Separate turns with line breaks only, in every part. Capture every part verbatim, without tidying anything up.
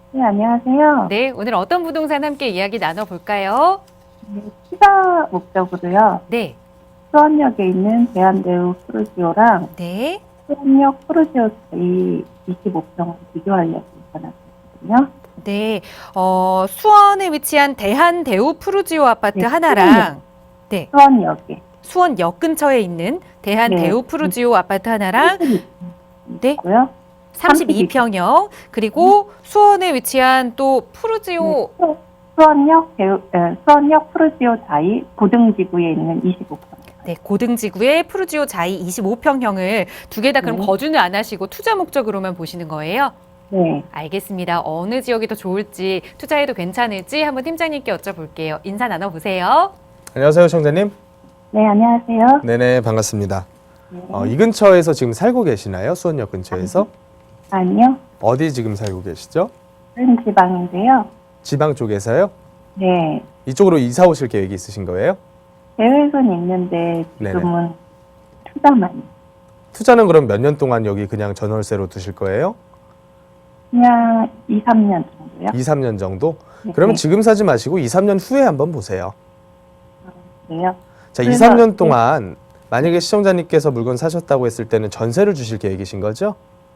네, 안녕하세요.
네, 오늘 어떤 부동산 함께 이야기 나눠볼까요?
네, 투자 목적으로요.
네,
수원역에 있는 대한대우 푸르지오랑
네,
수원역 푸르지오 이 이십오 평을 비교하려고 전화드렸거든요.
네. 어, 수원에 위치한 대한대우 푸르지오 아파트
네,
하나랑, 네,
수원역에.
수원역 근처에 있는 대한대우
네.
푸르지오 아파트 하나랑, 네,
있고요.
삼십이 평형, 그리고 수원에 위치한 또 푸르지오,
네, 수- 수원역 대우, 에, 수원역 푸르지오 자이 고등지구에 있는 이십오 평.
네, 고등지구의 푸르지오 자이 이십오 평형을 두 개 다 그럼
네.
거주는 안 하시고 투자 목적으로만 보시는 거예요?
네.
알겠습니다. 어느 지역이 더 좋을지, 투자해도 괜찮을지 한번 팀장님께 여쭤볼게요. 인사 나눠보세요.
안녕하세요, 청자님.
네, 안녕하세요.
네네, 반갑습니다.
네.
어, 이 근처에서 지금 살고 계시나요? 수원역 근처에서?
아니요.
어디 지금 살고 계시죠?
다른 지방인데요.
지방 쪽에서요?
네.
이쪽으로 이사 오실 계획이 있으신 거예요?
계획은 있는데 지금은 투자만.
투자는 그럼 몇 년 동안 여기 그냥 전월세로 두실 거예요?
그냥 이, 삼 년 정도요.
이, 삼 년 정도?
네.
그러면 지금 사지 마시고 이, 삼 년 후에 한번 보세요.
그래요.
자, 이,
그래서-
삼 년 동안 만약에 시청자님께서 물건 사셨다고 했을 때는 전세를 주실 계획이신 거죠?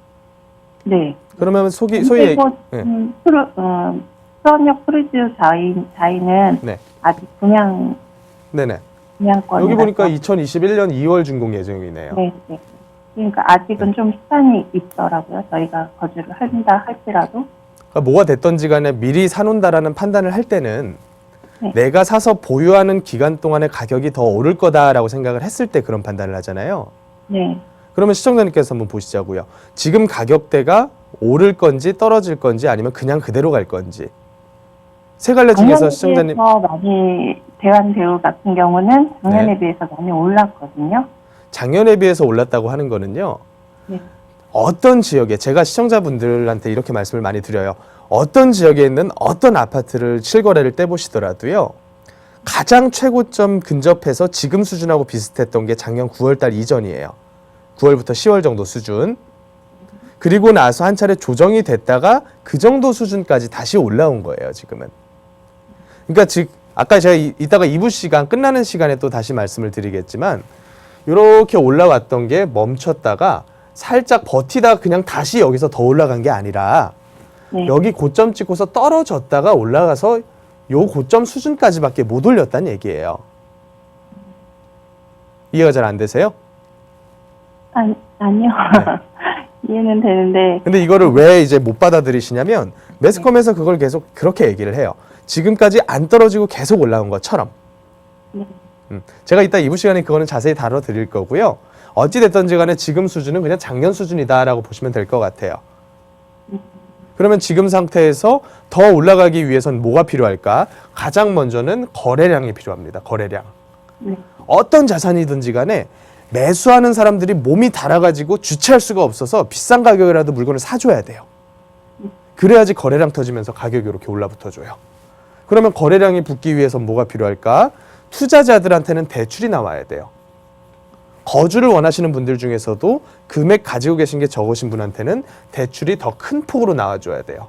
네.
그러면 소기, 소위
그리고
네.
음, 프로, 어, 수원역 프리지오 자이, 자이는
네.
아직 분양
네네.
분양권.
여기 보니까 이천이십일 년 이월 준공 예정이네요.
네, 네. 그러니까 아직은 좀 시간이 있더라고요. 저희가 거주를 한다 할지라도.
그러니까 뭐가 됐던지 간에 미리 사놓는다라는 판단을 할 때는
네.
내가 사서 보유하는 기간 동안의 가격이 더 오를 거다라고 생각을 했을 때 그런 판단을 하잖아요.
네.
그러면 시청자님께서 한번 보시자고요. 지금 가격대가 오를 건지 떨어질 건지 아니면 그냥 그대로 갈 건지. 세 갈래 중에서 시청자님
작년에 비해서 많이 대한대우 같은 경우는 작년에
네.
비해서 많이 올랐거든요.
작년에 비해서 올랐다고 하는 거는요.
네.
어떤 지역에 제가 시청자분들한테 이렇게 말씀을 많이 드려요. 어떤 지역에 있는 어떤 아파트를 실거래를 떼보시더라도요. 가장 최고점 근접해서 지금 수준하고 비슷했던 게 작년 구월 달 이전이에요. 구월부터 시월 정도 수준. 그리고 나서 한 차례 조정이 됐다가 그 정도 수준까지 다시 올라온 거예요, 지금은. 그러니까 즉 아까 제가 이, 이따가 이 부 시간 끝나는 시간에 또 다시 말씀을 드리겠지만 이렇게 올라왔던 게 멈췄다가 살짝 버티다가 그냥 다시 여기서 더 올라간 게 아니라
네.
여기 고점 찍고서 떨어졌다가 올라가서 요 고점 수준까지밖에 못 올렸다는 얘기예요. 이해가 잘 안 되세요?
아니, 아니요. 이해는 되는데.
근데 이거를 왜 이제 못 받아들이시냐면 매스컴에서 그걸 계속 그렇게 얘기를 해요. 지금까지 안 떨어지고 계속 올라온 것처럼.
네.
음, 제가 이따 이 부 시간에 그거는 자세히 다뤄드릴 거고요. 어찌됐든지 간에 지금 수준은 그냥 작년 수준이다라고 보시면 될 것 같아요. 그러면 지금 상태에서 더 올라가기 위해선 뭐가 필요할까? 가장 먼저는 거래량이 필요합니다. 거래량.
네.
어떤 자산이든지 간에 매수하는 사람들이 몸이 달아가지고 주체할 수가 없어서 비싼 가격이라도 물건을 사줘야 돼요. 그래야지 거래량 터지면서 가격이 이렇게 올라붙어줘요. 그러면 거래량이 붙기 위해선 뭐가 필요할까? 투자자들한테는 대출이 나와야 돼요. 거주를 원하시는 분들 중에서도 금액 가지고 계신 게 적으신 분한테는 대출이 더 큰 폭으로 나와줘야 돼요.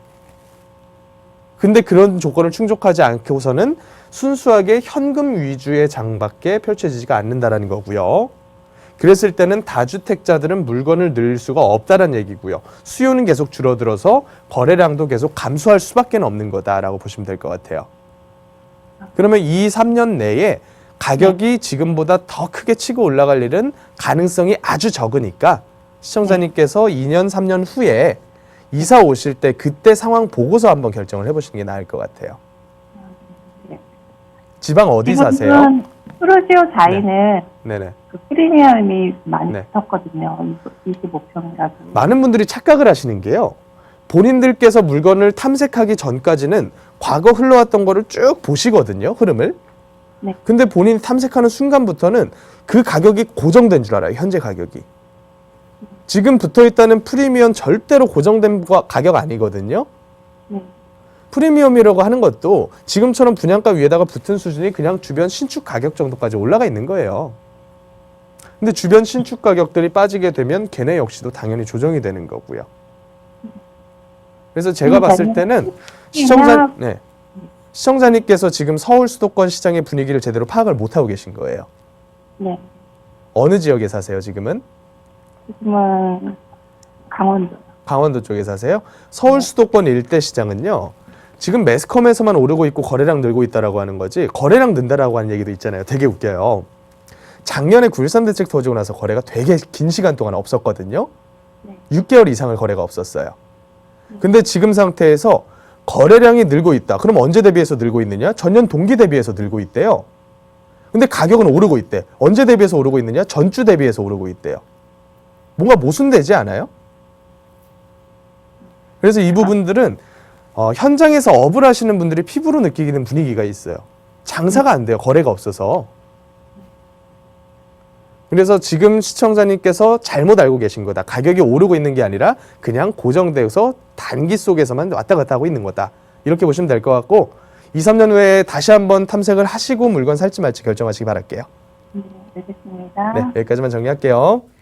근데 그런 조건을 충족하지 않고서는 순수하게 현금 위주의 장밖에 펼쳐지지가 않는다라는 거고요. 그랬을 때는 다주택자들은 물건을 늘 수가 없다는 얘기고요. 수요는 계속 줄어들어서 거래량도 계속 감소할 수밖에 없는 거다라고 보시면 될 것 같아요. 그러면 이, 삼 년 내에 가격이 지금보다 더 크게 치고 올라갈 일은 가능성이 아주 적으니까 시청자님께서 이 년, 삼 년 후에 이사 오실 때 그때 상황 보고서 한번 결정을 해보시는 게 나을 것 같아요.
네.
지방 어디 사세요?
지금은 푸르지오 자이는
네네.
그 프리미엄이 많이
네.
붙었거든요. 이십오 평이라서.
많은 분들이 착각을 하시는 게요. 본인들께서 물건을 탐색하기 전까지는 과거 흘러왔던 거를 쭉 보시거든요. 흐름을.
네.
근데 본인이 탐색하는 순간부터는 그 가격이 고정된 줄 알아요. 현재 가격이. 지금 붙어있다는 프리미엄 절대로 고정된 가격 아니거든요.
네.
프리미엄이라고 하는 것도 지금처럼 분양가 위에다가 붙은 수준이 그냥 주변 신축 가격 정도까지 올라가 있는 거예요. 근데 주변 신축 가격들이 빠지게 되면 걔네 역시도 당연히 조정이 되는 거고요. 그래서 제가
음,
봤을
네.
때는 시청자, 네. 시청자님께서 지금 서울 수도권 시장의 분위기를 제대로 파악을 못하고 계신 거예요.
네.
어느 지역에 사세요, 지금은?
지금은 강원도.
강원도 쪽에 사세요? 서울 수도권 일대 시장은요, 지금 매스컴에서만 오르고 있고 거래량 늘고 있다라고 하는 거지, 거래량 는다라고 하는 얘기도 있잖아요. 되게 웃겨요. 작년에 구일삼 대책 터지고 나서 거래가 되게 긴 시간 동안 없었거든요.
네.
육 개월 이상을 거래가 없었어요. 근데 지금 상태에서 거래량이 늘고 있다. 그럼 언제 대비해서 늘고 있느냐? 전년 동기 대비해서 늘고 있대요. 근데 가격은 오르고 있대. 언제 대비해서 오르고 있느냐? 전주 대비해서 오르고 있대요. 뭔가 모순되지 않아요? 그래서 이 부분들은 어, 현장에서 업을 하시는 분들이 피부로 느끼는 분위기가 있어요. 장사가 안 돼요. 거래가 없어서. 그래서 지금 시청자님께서 잘못 알고 계신 거다. 가격이 오르고 있는 게 아니라 그냥 고정돼서 단기 속에서만 왔다 갔다 하고 있는 거다. 이렇게 보시면 될 것 같고, 이, 삼 년 후에 다시 한번 탐색을 하시고 물건 살지 말지 결정하시기 바랄게요.
네, 알겠습니다.
네, 여기까지만 정리할게요.